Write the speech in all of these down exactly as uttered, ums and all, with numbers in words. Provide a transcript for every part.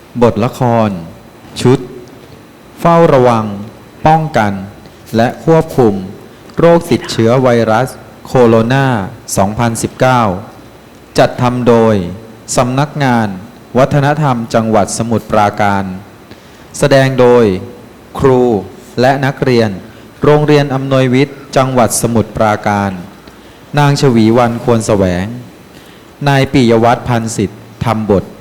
บทละครชุดเฝ้าระวังป้องกันและควบคุมโรคติดเชื้อไวรัสโคโรนา สองพันสิบเก้า จัดทำโดยสำนักงานวัฒนธรรมจังหวัดสมุทรปราการแสดงโดยครูและนักเรียนโรงเรียนอำนวยวิทย์จังหวัดสมุทรปราการนางชวีวรรณควรแสวงนายปิยวัฒน์พันสิทธิ์ทำบท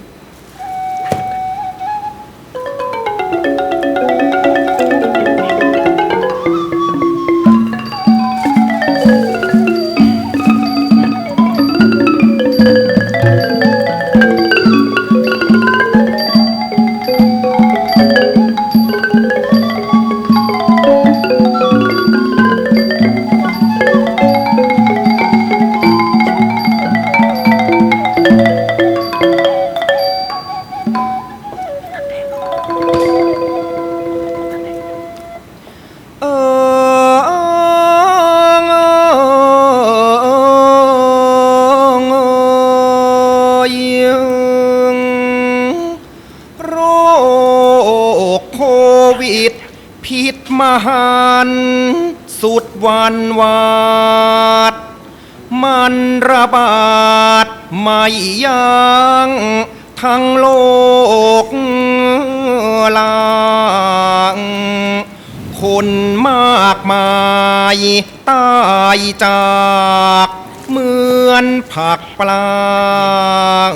พิษมหันสุดวันวาดมันระบาดไม่ยั้งทั้งโลกลางคนมากมายตายจากเหมือนผักปลาง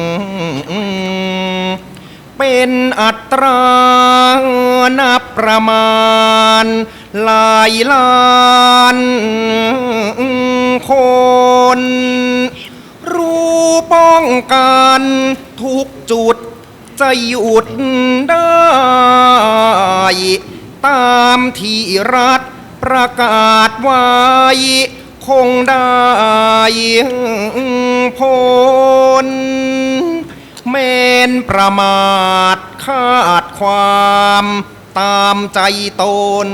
เป็นอัตรานับประมาณหลายล้านคนรู้ป้องกันทุกจุดจะหยุดได้ตามที่รัฐประกาศไว้คงได้ผลแม้นประมาทคาดความตามใจตน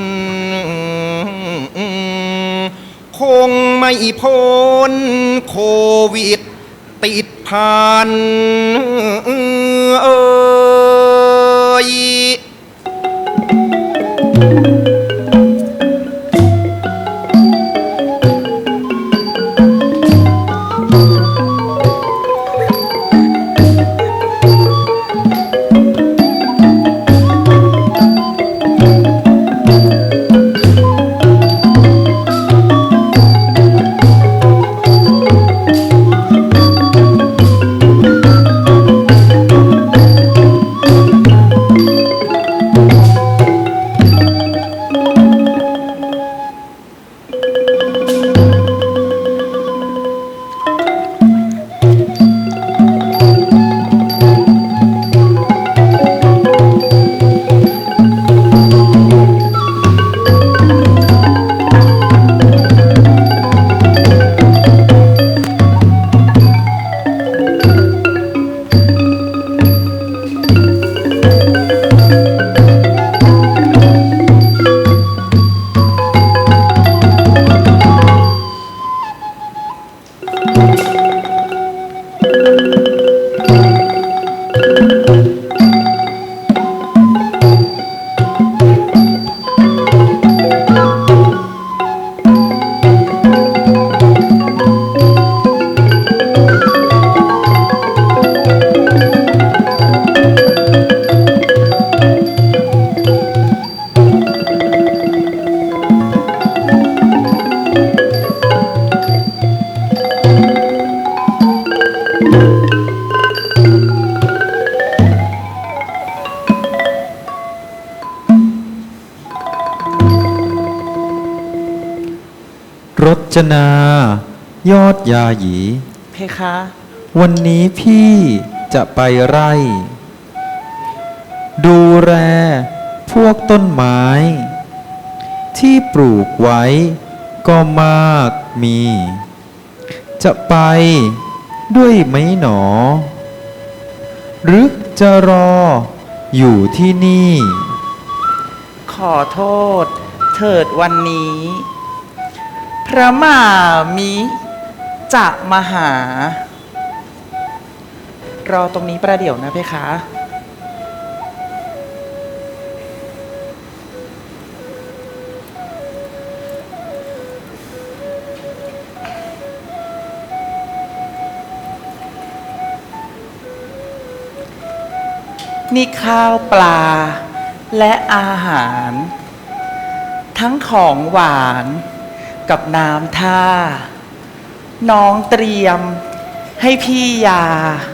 คงไม่พ้นโควิดติดพันเอ่ยรจนายอดยาหยีเพคะวันนี้พี่จะไปไร่ดูแลพวกต้นไม้ที่ปลูกไว้ก็มากมีจะไปด้วยไหมหนอหรือจะรออยู่ที่นี่ขอโทษเถิดวันนี้พระมหามิจะมาหารอตรงนี้ประเดี๋ยวนะเพคะนี่ข้าวปลาและอาหาร ทั้งของหวานกับน้ำท่า น้องเตรียมให้พี่ยา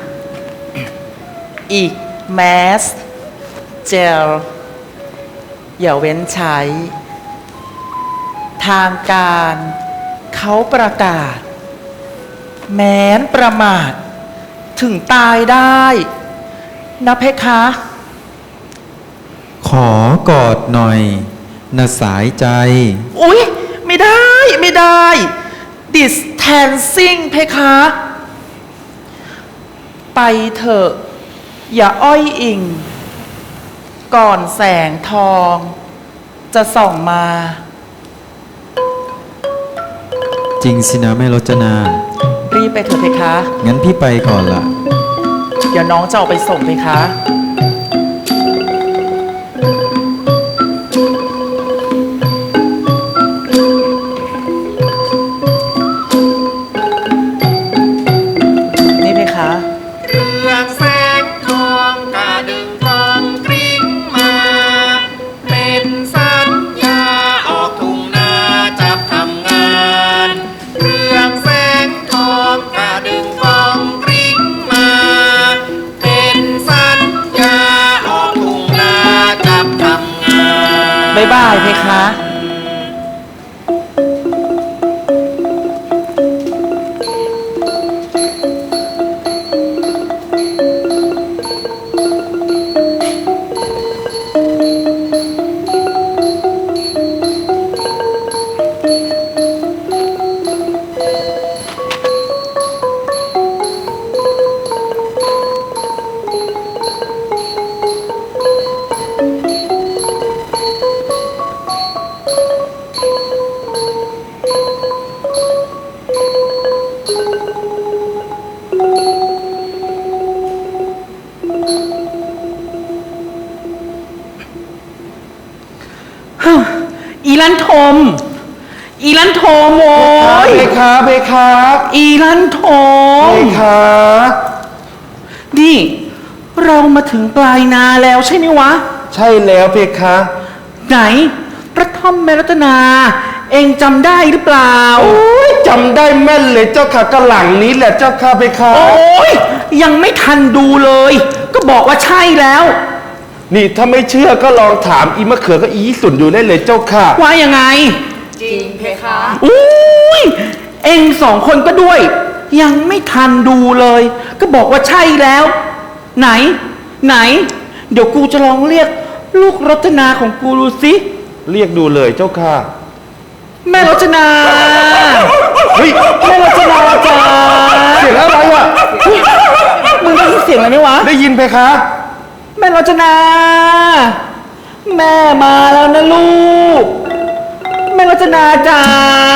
อีกแมส เจล อย่าเว้นใช้ ทางการเขาประกาศ แม้นประมาท ถึงตายได้นะเพคะขอกอดหน่อยนะสายใจอุ๊ย ไม่ได้ไม่ได้ distancing เพคะ ไปเถอะ อย่าอ้อยอิง ก่อนแสงทอง จะส่องมาจริงสินะแม่รจนารีบไปเถอะเพคะงั้นพี่ไปก่อนละเดี๋ยวน้องจะออกไปส่งเพคะ นี่เพคะเรื่องแสงทองกระดึงกองกริ้งมา เป็นสัญญาออกทุ่งนาจับทำงานเรื่องแสงทองกระดึงกองกริ้งมา เป็นสัญญาออกทุ่งนาจับทำงานบ๊ายบายเพคะ อีลันทม อีลันทมโว้ยเพคะเพคะอีลันทมเพคะนี่ เรามาถึงปลายนาแล้วใช่ไหมวะใช่แล้วเพคะไหนพระท่อมแม่รัตนา เองจำได้หรือเปล่าโอ้ยจำได้แม่นเลยเจ้าค่ะกระหลังนี้แหละเจ้าค่ะเพคะโอ้ยยังไม่ทันดูเลย ก็บอกว่าใช่แล้วนี่ถ้าไม่เชื่อก็ลองถามอีมะเขือก็อีสุนอยู่ได้เลยเจ้าค่ะว่ายังไงจริงเพคะอุ้ยเองสองคนก็ด้วย ยังไม่ทันดูเลย ก็บอกว่าใช่แล้ว ไหน ไหน เดี๋ยวกูจะลองเรียก ลูกรัตนาของกูดูสิเรียกดูเลยเจ้าค่ะแม่รัตนาเฮ้ยแม่รัตนาจ้าเสียงอะไรวะมึงได้ยินเสียงอะไรไหมวะได้ยินเพคะแม่รัตนา แม่มาแล้วนะลูก แม่รัตนาจ๋า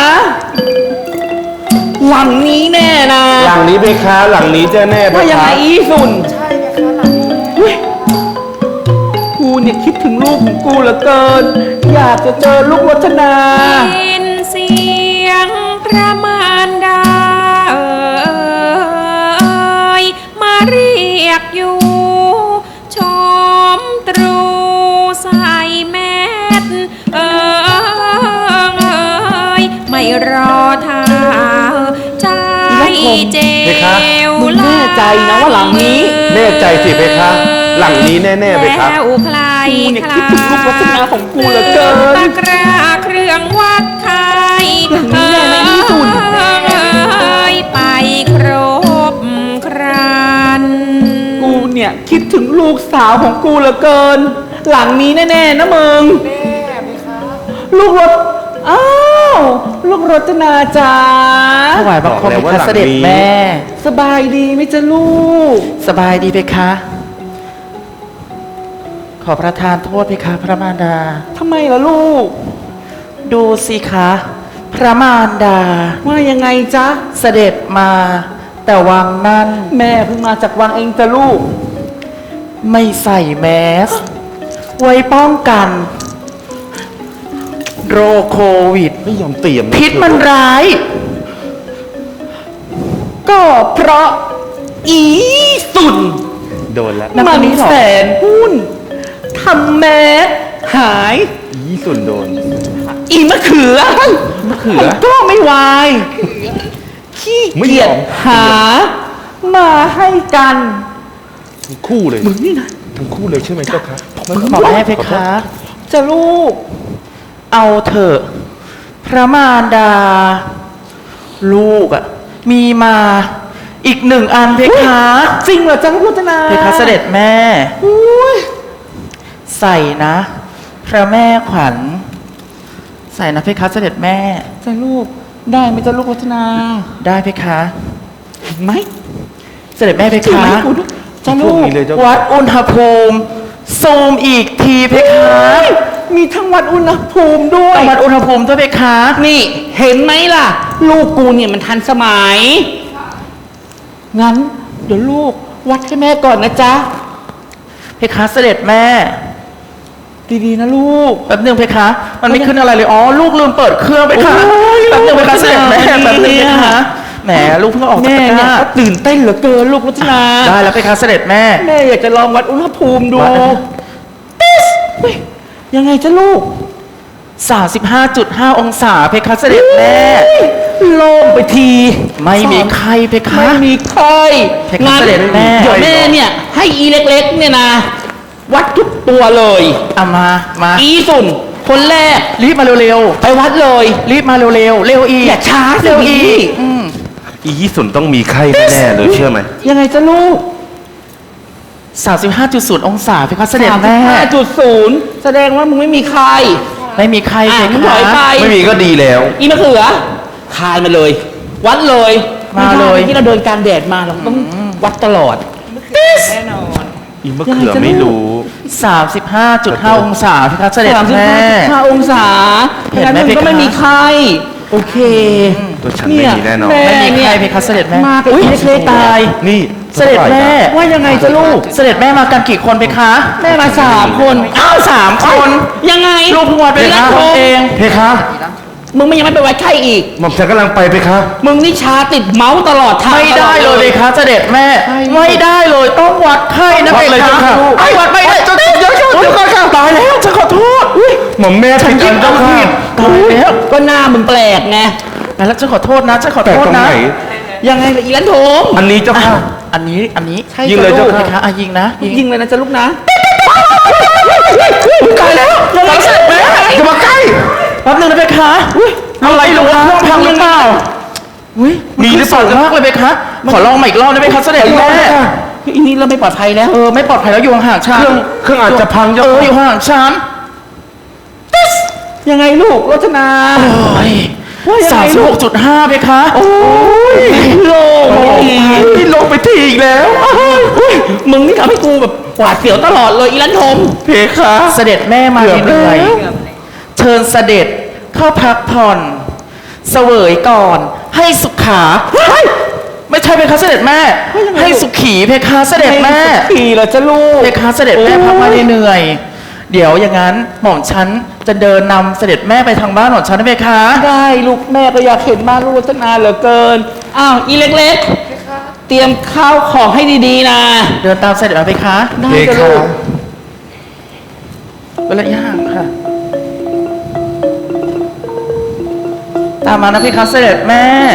หลังนี้แน่นะหลังนี้เพคะ หลังนี้จะแน่เพว่ายังคะไงอีสุนใช่เพคะหลังนี้เฮ้ยกูเนี่ยคิดถึงลูกของกูเหลือเกิน อยากจะเจอลูกรัตนายินเสียงพระมารดาเอ่ยมาเรียกอยู่ ชมตรูใส่แมสเอ่ยไม่รอท่าใจเจวมึงแน่ใจนะว่าหลังนี้แน่ใจสิเพคะ หลังนี้แน่ๆเพคะแล้วใครกูเนี่ยคิดถึงลูกรัตนาของกูเหลือเกินตะกร้าเครื่องวัดไข่อย่างนี้แน่นะอีสุนเอ้ยไปครบครันกูเนี่ยคิดถึงลูกสาวของกูเหลือเกิน หลังนี้แน่ๆนะมึงแม่เพคะลูกรถ อ้าว ลูกรัตนาจ้าถวายบังคมพระเสด็จแม่สบายดีไหมจ๊ะลูกสบายดีเพคะ ขอประทานโทษเพคะพระมารดาทำไมล่ะลูกดูสิคะ พระมารดาว่ายังไงจ๊ะเสด็จมา แต่วังนั้นแม่เพิ่งมาจากวังเองจ้ะลูกไม่ใส่แมส ไว้ป้องกัน โรคโควิดไม่ยอมเตรียมพิษมันร้ายก็เพราะอีสุนโดนแล้วมันแสนหุ้นทำแมสหายอียี่สุนโดนอีมะเขือมะเขือมันก็ไม่วายขี้ไม่เกียยอจมหา มาให้กันทั้งคู่เลยมึงนี่นะทั้งคู่เลยใช่ไหมเจ้าคะบอกแม่เพคะจะลูกเอาเถอะพระมารดา ลูกอะมีมาอีกหนึ่งอันเพคะจริงเหรอจังลูกรัตนาเพคะเสด็จแม่อุ้ยใส่นะ พระแม่ขวัญ ใส่นะเพคะเสด็จแม่จะลูกได้ไหมจะลูกรัตนาได้เพคะเห็นไหมเสด็จแม่เพจริงคะไหมคุณจะพลูวกกนี้เลยเจ้าวัดอุณหภูมิซูมอีกทีเพคะมีทั้งวัดอุณหภูมิด้วยต้องวัดอุณหภูมิด้วยเพคะนี่เห็นไหมล่ะ ลูกกูเนี่ยมันทันสมัย งั้น เดี๋ยวลูกวัดให้แม่ก่อนนะจ๊ะเพคะเสด็จแม่ดีๆนะลูกแป๊บนึงเพคะ มันไม่ขึ้นอะไรเลย อ๋อ ลูกลืมเปิดเครื่องเพคะโอ้ยแป๊บนึงเพคะเสด็จแม่เนี่ยแป๊บนึงเพคะ แหม ลูกเพิ่งออกจากแม่ตะกเนี่ยร้าก็ตื่นเต้นเหลือเกินลูกรัตนาได้แล้วเพคะเสด็จแม่แม่อยากจะลองวัดอุณหภูมิดูวัดนะติสเฮ้ยยังไงจ๊ะลูกสามสิบห้าจุดห้า องศาเพคะเสด็จแม่โล่งไปทีไม่มีใครเพคะไม่มีใครเพคะเสด็จแม่เดี๋ยวแม่เนี่ยให้อีเล็กๆเนี่ยนะ วัดทุกตัวเลยเอามา มาอีสุนคนแรกรีบมาเร็วไปวัดเลยๆ รีบมาเร็วๆ เร็วอีกอย่าช้าสิเร็วอีพี่กอืมอียี่สุนต้องมีไข้แน่ๆเลยเชื่อไหมยังไงจ๊ะลูกสามสิบห้าจุดศูนย์ องศาเพคะเสด็จแม่ห้าจุดศูนย์แสดงว่ามึงไม่มีใครไม่มีใครเพอ่ะมึงถคะอยไปไม่มีก็ดีแล้วอีมะเขือคายมาเลย วัดเลยมาเลยไได้ที่เราเดินกลารแดดมาเราต้องวัดตลอดอีมะเขือไม่รู้สามสิบห้าจุดห้า องศาเพคะเสด็จสามสิบแม่ห้าจุดห้าองศาเห็นไหมงั้มึงก็เพคะไม่มีใคร โอเคตัวฉันไม่มีแน่นอนเยไม่มีใครเนี่ยเพคะเสด็จแม่มากับอุ๊ยอีเล็กๆตายนี่เสด็จแม่ว่ายังไงจ๊ะลูกเสด็จแม่มากันกี่คนเพคะแม่มาสามคนอ้าวสามคนยังไงลูกเพิ่งวัดไปเป็นห้าคคนนเองเพคะมึงไม่ยังไม่ไปวัดไข้อีกหม่อมฉันกำลังไปเพคะมึงนี่ชาติดเมาส์ตลอดทางไม่ได้เลยเพคะเสด็จแม่ ไม่ได้เลยต้องวัดไข้นะวัเพดเลยคะเจ้าค่ะไอ้วัดไม่ได้เจ้าเดี๋ยวเดี๋ยวเดี๋ยวเดี๋ยวก่อนค่ะตายแล้วฉันขอโทษอุ๊ยหม่อมแม่ผิดอันเจ้าค่ะตายแล้วก็หน้ามึงแปลกไงแล้วฉันขอโทษนะฉันขอแต่โทษตรงนะไหนยังไงล่ะอีลันโถมอันนี้เจ้าค่ะอันนี้อันนี้ใช่ยิงเลยจ้ะเจ้าลูกค่ะเพคะอ่ะยิงนะยิงยิงเลยนะจ๊ะลูกนะตายแล้วตายเสร็จแม่จะมาใกล้แป๊บนึงนะเพคะอุ๊ยอะไรหรือว่าเครื่องพังหรือเปล่าอุ้ยมีหรือเปล่านขึ้นสูงมากเลยเพคะขอลองใหม่อีกรอบได้ไหมคะเสด็จแม่อีนี้เราไม่ปลอดภัยแล้วเออไม่ปลอดภัยแล้วอยู่ห่างๆฉันเครื่องเครื่องอาจจะพังเจ้าเออค่ะอยู่ห่างๆฉันยังไงลูกรัตนาโอ้ยว่ายังสาไงมสิบลูหกกจุดห้าเพคะโอ้ยโล่งไปทีพี่ลงไปทีอีกแล้วอุ๊ยมึงนี่ทำให้กูแบบหวาดเสียวตลอดเลยอีลันโถมเพคะเสด็จแม่มาเหนื่อยเชิญเสด็จเข้าพักผ่อน เสวยก่อน ให้สุขาเฮ้ยไม่ใช่เพคะเสด็จแม่ ให้สุขีเพคะเสด็จแม่ขี่เหรอจ๊ะลูกเพคะเสด็จแม่พักมาเหนื่อยเดี๋ยวอย่างนั้นหม่อมฉันจะเดินนำเสด็จแม่ไปทางบ้านหม่อมฉันนะเพคะได้ลูกแม่ก็อยากเห็นมากลูกรัตนาเหลือเกิน อ้าวอีเล็กๆ เตรียมข้าวของให้ดีๆนะเดินตามเสด็จมาเพคะได้เพจ้ะคะลูกเป็นระยะห่างค่ะ ตามมานะเพคะเสด็จแม่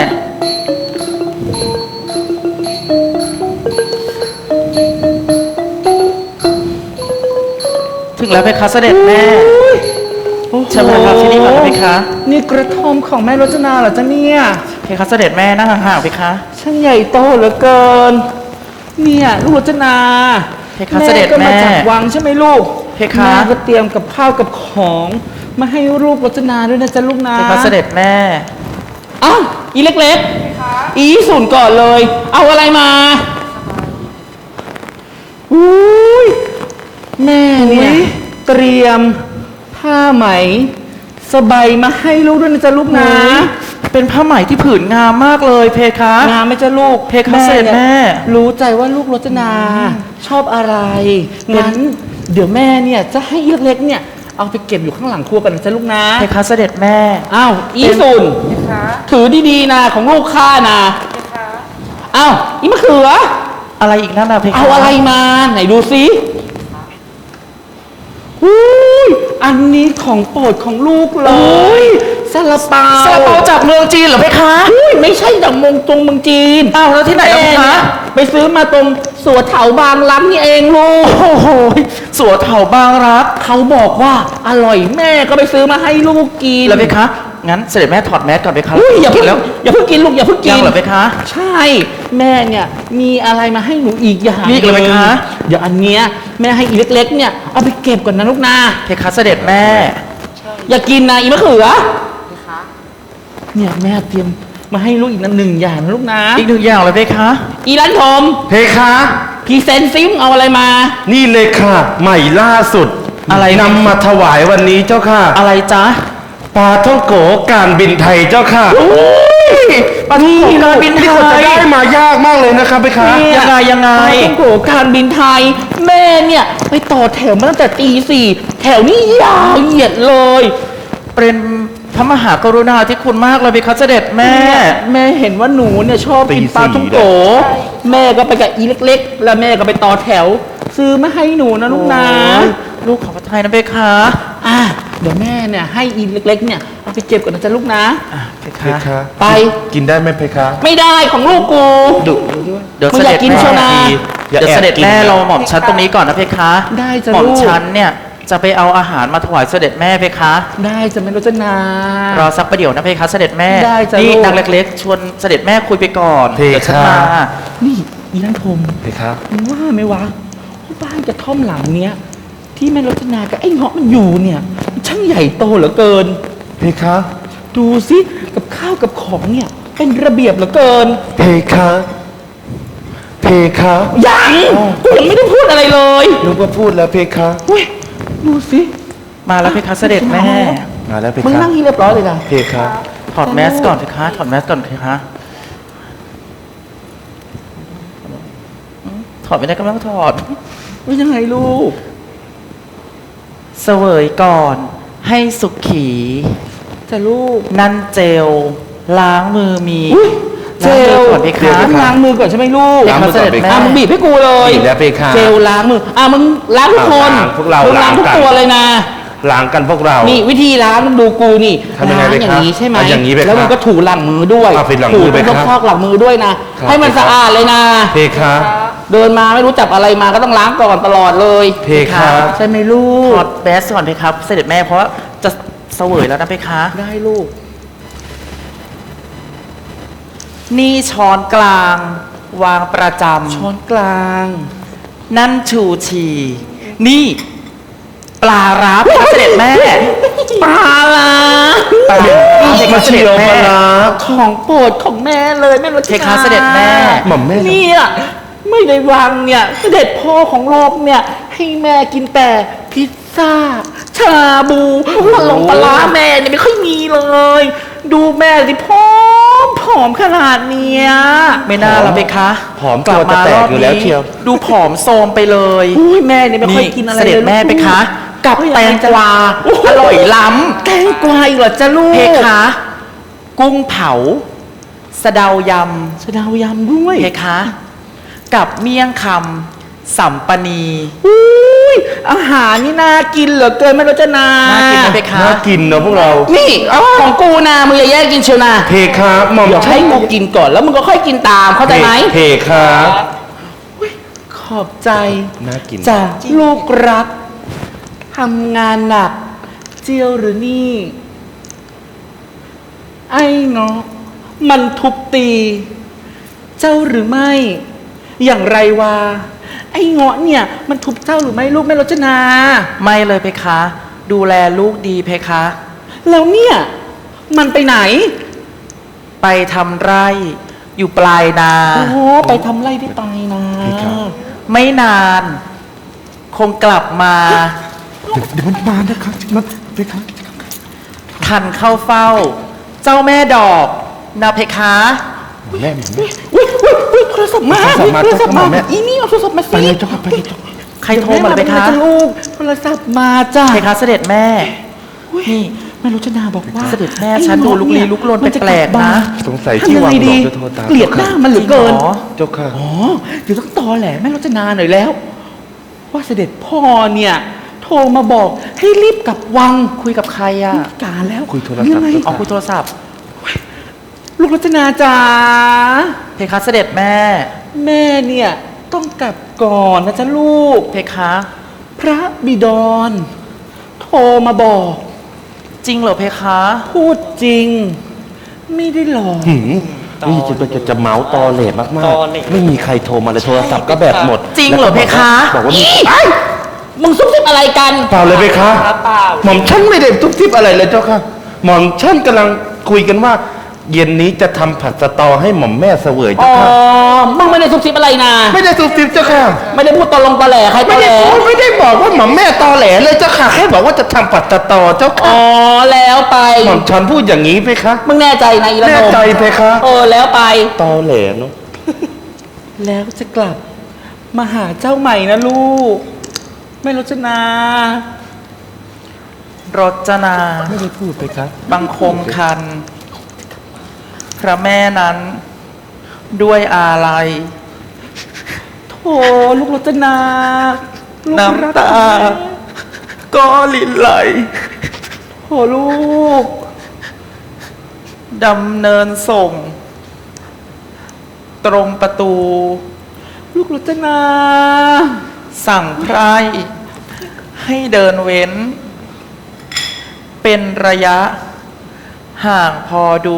ถึงแล้วเพคะเสด็จแม่โอ้โหเชิญมาพักที่นี่ก่อนนะเพคะนี่กระท่อมของแม่รจนาเหรอจ๊ะเนี่ยเพคะเสด็จแม่นั่งห่างๆเพคะช่างใหญ่โตเหลือเกิน เนี่ยลูกรจนาเพคะเสด็จก็มาแม่จากวังใช่ไหมลูกเพคะแม่ก็เตรียมกับข้าวกับของ มาให้ลูกรจนาด้วยนะจ๊ะลูกนะเพคะเสด็จแม่อ้าวอีเล็กๆอีสุนก่อนเลย เอาอะไรมาอุ้ยแม่เนี่ยเตรียมผ้าไหมสบายมาให้ลูกด้วยนะจ๊ะลูกนะเป็นผ้าไหมที่ผืนงามมากเลยเพคะงามไหมจ๊ะลูกเพคะเสด็จแม่รู้ใจว่าลูกรจนาชอบอะไรงั้นเดี๋ยวแม่เนี่ยจะให้อีเล็กๆเนี่ยเอาไปเก็บอยู่ข้างหลังครัวกันนะจ๊ะลูกนะเพคะเสด็จแม่อ้าวอีสุนถือดีๆนะของลูกข้านะอ้าวอีมะเขืออะไรอีกนั่นน่ะเพคะเอาอะไรมาไหนดูสิอุ้ยอันนี้ของโปรดของลูกเลยซาลาเปาซาลาเปาจากเมืองจีนเหรอเพคะอุ้ยไม่ใช่จากเมองตรงเมืองจีนอ้าวแล้วที่ไหนล่ะเพแม่คะเนี่ยไปซื้อมาตรงสวนเถาบางรักนี่เองลูกโอ้โหสัวเถาบางรักเขาบอกว่าอร่อยแม่ก็ไปซื้อมาให้ลูกกินแล้วเพคะ งั้นเสด็จแม่ถอดแมสก่อนเพคะอุ้ยอย่าเพิ่งแล้วอย่าเพิ่งกินลูกอย่าเพิ่งกินยังเหรอเพคะใช่ แม่เนี่ยมีอะไรมาให้หนูอีกอย่างมีอีกเหรอไหมคะเดี๋ยวอันเนี้ยแม่ให้อีเล็กๆเนี่ยเอาไปเก็บก่อนนะลูกนะเพคะเสด็จแม่อย่ากินนะอีมะเขือเนี่ยแม่เตรียมมาให้ลูกอีกนะหนึ่งอย่างนะลูกนะอีกหนึ่งอย่างเลยเพคะอีร้านทมเพคะพรีเซนต์ซิมเอาอะไรมานี่เลยค่ะ ใหม่ล่าสุดอะไรนำมาถวายวันนี้เจ้าค่ะอะไรจ๊ะปลาท่องโกการบินไทยเจ้าค่ะปลาท่องโกการบินไทยนี่เขาจะได้มายากมากเลยนะครับเพคะเนี่ยังไงยังไงปลาท่องโกการบินไทย แม่เนี่ยไปต่อแถวมาตั้งแต่ตีสี่แถวนี้ยาวเหยียดเลยเป็นพระมหากรุณาธิคุณมากเลยเพคะเสด็จแม่แม่เห็นว่าหนูเนี่ยชอบกินปลาท่องโกแม่ก็ไปกับอีเล็กๆ แล้วแม่ก็ไปต่อแถว ซื้อมาให้หนูนะลูกนะโอ้ยลูกของพระไทยนะเพคะอ่ะเดี๋ยวแม่เนี่ยให้อีเล็กๆเนี่ยเอาไปเก็บก่อนนะจ๊ะลูกนะอ่ะเพเพคะคะไปกินได้ไหมเพคะไม่ได้ของลูกกูดุเดี๋ยวมึเสงอด็ยาจกกินแม่เชียวนะเดี๋ยวเสด็จแม่เราหม่อมชั้นตรงนี้ก่อนนะเพคะได้จ้ะหม่อมลูกชั้นเนี่ยจะไปเอาอาหารมาถวายเสด็จแม่เพคะได้จะไม่รู้จะนารอสักประเดี๋ยวนะเพคะเสด็จแม่ได้จ้ะนี่ลูกนางเล็กๆ ชวนเสด็จแม่คุยไปก่อนเพคะเดี๋ยวฉันมานี่อีนั่นพรมเพคะมึงว่าไหมวะว่าบ้านกระท่อมหลังเนี้ยที่แม่รจนากับไอ้เงาะมันอยู่เนี่ยมันช่างใหญ่โตเหลือเกินเพคะดูสิกับข้าวกับของเนี่ยเป็นระเบียบเหลือเกินเพคะ เพคะยังกูยังไม่ได้พูดอะไรเลยนึกว่าพูดแล้วเพคะเว้ยดูสิมาแล้วเพคะเสด็จแม่มาแล้วเพมึงคะนั่งให้เรียบร้อยเลยนะเพคะถอดแมสก่อนเพคะถอดแมสก่อนเพคะถอดไม่ได้ก็ไม่ต้องถอดว่ายังไงลูกเสวยก่อนให้สุขีแต่ลูกนั่นเจล ล้างมือมีอุ๊ยเจล้างมือลก่อนเพคะต้องล้างมือก่อนใช่ไหมลูกล้างมือก่อนเสด็จเพคะอ่ะมึงบีบให้กูเลยบีบแล้วเพคะเจลล้างมืออ่ะมึงล้างทุกคนล้างพวกเรามึงล้างล้างทุกกันตัวเลยนะล้างกันพวกเรานี่วิธีล้างดูกูนี่ทำยังไงล้างไปอย่าครับงนี้ใช่ไหมเอาอย่างนี้ไปครับแล้วมึงก็ถูหลังมือด้วยเอาไปหลังมืถูอไปครับพอกๆหลังมือด้วยนะครับให้มันไปครับสะอาดเลยนะเพคะเดินมาไม่รู้จับอะไรมาก็ต้องล้างก่อนตลอดเลยเพคะใช่ไหมลูถกอดแมสก่อนเพคะเสด็จแม่เพราะว่าจะเสวยแล้วนะเพคะได้ลูกนี่ช้อนกลาง วางประจช้อนกลางำนั่นชูชี นี่ปลาร้าเพคะเสด็จแม่ปลาละปลาร้าเพคะเสด็จแม่ของโปรดของแม่เลยแม่รจเพนาคะเสด็จแม่หม่อมแม่เนี่ยไม่ได้วางเนี่ยเสด็จพ่อของโลกเนี่ย ให้แม่กินแต่พิซซ่า ชาบูปลาลงปลาร้าแม่เนี่ยไม่ค่อยมีเลย ดูแม่สิผอมผอมขนาดเนี้ยไม่น่าแล้วเพคะผอมตัวจะแตกอยู่แล้วเชียวดูผอมโซมไปเลยอุ้ยแม่เนี่ยไม่ค่อยกินอะไรเสด็จเลยแม่เพคะ กับแตงกวาอร่อยล้ำแตงกวาอีกเหรอจ้าลูกเพคะ กุ้งเผา สะเดายสะเดาวยำด้วยำเพคะ กับเมี่ยงคำสัมปนีอุ้ยอาหารนี่น่ากินเหลือเกินแม่รจนาน่ากินไหมเพคะน่ากินเนอะพวกเรานี่ของกูนะมึงอย่าแย่งกินเชียวนะเพคะหม่อมเดี๋ยวให้กูกินก่อนแล้วมึงก็ค่อยกินตามเข้าใจไหมเพคะขอบใจน่ากินจากลูกรักทำงานหนัก เจียวหรือนี่ ไอ้เนาะมันทุบตี เจ้าหรือไม่ อย่างไรวะไอ้เงาะเนี่ย มันทุบเจ้าหรือไม่ลูกแม่รจนาไม่เลยเพคะ ดูแลลูกดีเพคะแล้วเนี่ย มันไปไหนไปทำไร่ อยู่ปลายนาโอ้โหไปทำไร่ที่ไปนะไม่นาน คงกลับมาเดี๋ยวมันมานะครับมันเพคะทันเข้าเฝ้า เจ้าแม่ดอกนะเพคะแม่หม่อมแม่อุ้ยอุ้ยอุ้ยโทรศัพท์มาโทรศัพท์มาโทรศัพท์มาโทรศัพท์มาแม่อีนี่เอาโทรศัพท์มาไปสิเลยเจ้าค่ะไปเลยเจ้าค่ะใครโทรมาเลยเพคะดี๋ยวแม่มาเป็นลูกโทรศัพท์มาจ้ะเพคะเสด็จแม่ นี่แม่รจนาบอกว่าเสด็จแม่ฉันดูลุกลี้ลุกลนมัจะแปลกๆนะบ้าสงสัยทำที่ยังวาไงงดดีอกจะโทรตามเกลียดหน้ามันเหลือเกินจริงเหรอเจ้าค่ะอ๋อเดี๋ยวต้องตอแหลแม่รจนาหน่อยแล้ว ว่าเสด็จพ่อเนี่ยโทรมาบอกให้รีบกลับวังคุยกับใครอ่ะการแล้วคุยโทรศัพท์งไงอ๋อคุยโทรศัพท์ลูกรจนาจ๋าเพคะเสด็จแม่แม่เนี่ยต้องกลับก่อนนะจ๊ะลูกเพคะพระบิดรโทรมาบอกจริงเหรอเพคะพูดจริง ไม่ได้หลอกหืมนี่จะจะจะเมาส์ตอเหล่มากตอเหล่ๆ ไม่มีใครโทรมาเลยโทรศัพท์ก็แบบหมดจริงเหรอเพคะบอกว่ามีมึงซุบซิบอะไรกันเปล่าเลยเพคะเปล่าหม่อมฉันไม่ได้ทุบทิบอะไรเลยเจ้าค่ะ หม่อมฉันกำลังคุยกันว่า เย็นนี้จะทำผัดสะตอให้หม่อมแม่เสวยอ๋เจ้าอค่ะมึงไม่ได้ซุบซิบอะไรนะไม่ได้ทุบทิบเจ้าค่ะไม่ได้พูดตอลงตอแหลใครตไม่อแหลได้พูดไม่ได้บอกว่าหม่อมแม่ตอแหลเลยเจ้าค่ะแค่บอกว่าจะทำผัดสะตอเจ้าอ๋ค่ะอแล้วไปหม่อมฉันพูดอย่างนี้เพคะมึงแน่ใจนะอีละแน่โนมใจเพคะเออแล้วไปตอแหลเนาะแล้วจะกลับมาหาเจ้าใหม่นะลูก ไม่รจนารจนาไม่ได้พูดเพคะบังคมคัน พระแม่นั้น ด้วยอาลัยโถลูกรจนาลูกน้ำตา ก็ลินไหลโถลูกดำเนินส่ง ตรงประตูลูกรจนาสั่งไพร่ให้เดินเว้น เป็นระยะ ห่างพอดู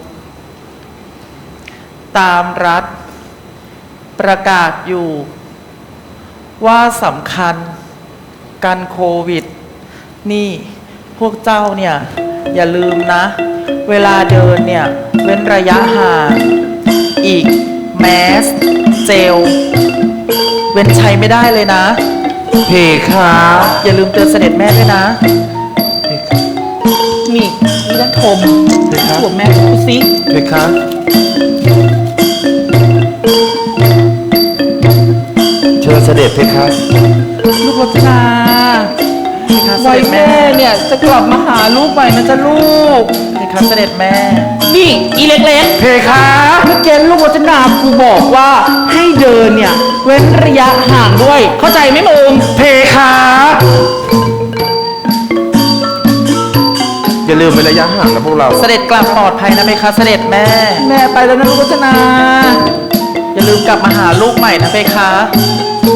ตามรัฐ ประกาศอยู่ ว่าสำคัญกันโควิด นี่พวกเจ้าเนี่ย อย่าลืมนะ เวลาเดินเนี่ย เว้นระยะห่าง อีก แมส เจล เว้นใช้ไม่ได้เลยนะเพคะอย่าลืมเตือนเสด็จแม่ด้วยนะนี่นี่นันทมหัวแม่พูดสิเพคะเชิญเสด็จเพคะลูกรจนาคะเสวัด็ยจแม่แม่เนี่ยจะกลับมาหาลูกใหม่นะจ๊ะลูกเพคะเสด็จแม่นี่อีเล็กๆเพคะเมื่อกี้ลูกรจนาครูบอกว่าให้เดินเนี่ย เว้นระยะห่างด้วย เข้าใจไหมมึงเพคะอย่าลืมเว้นระยะห่างนะพวกเราเสด็จกลับปลอดภัยนะเพคะเสด็จแม่แม่ไปแล้วนะลูกรจนาอย่าลืมกลับมาหาลูกใหม่นะเพคะค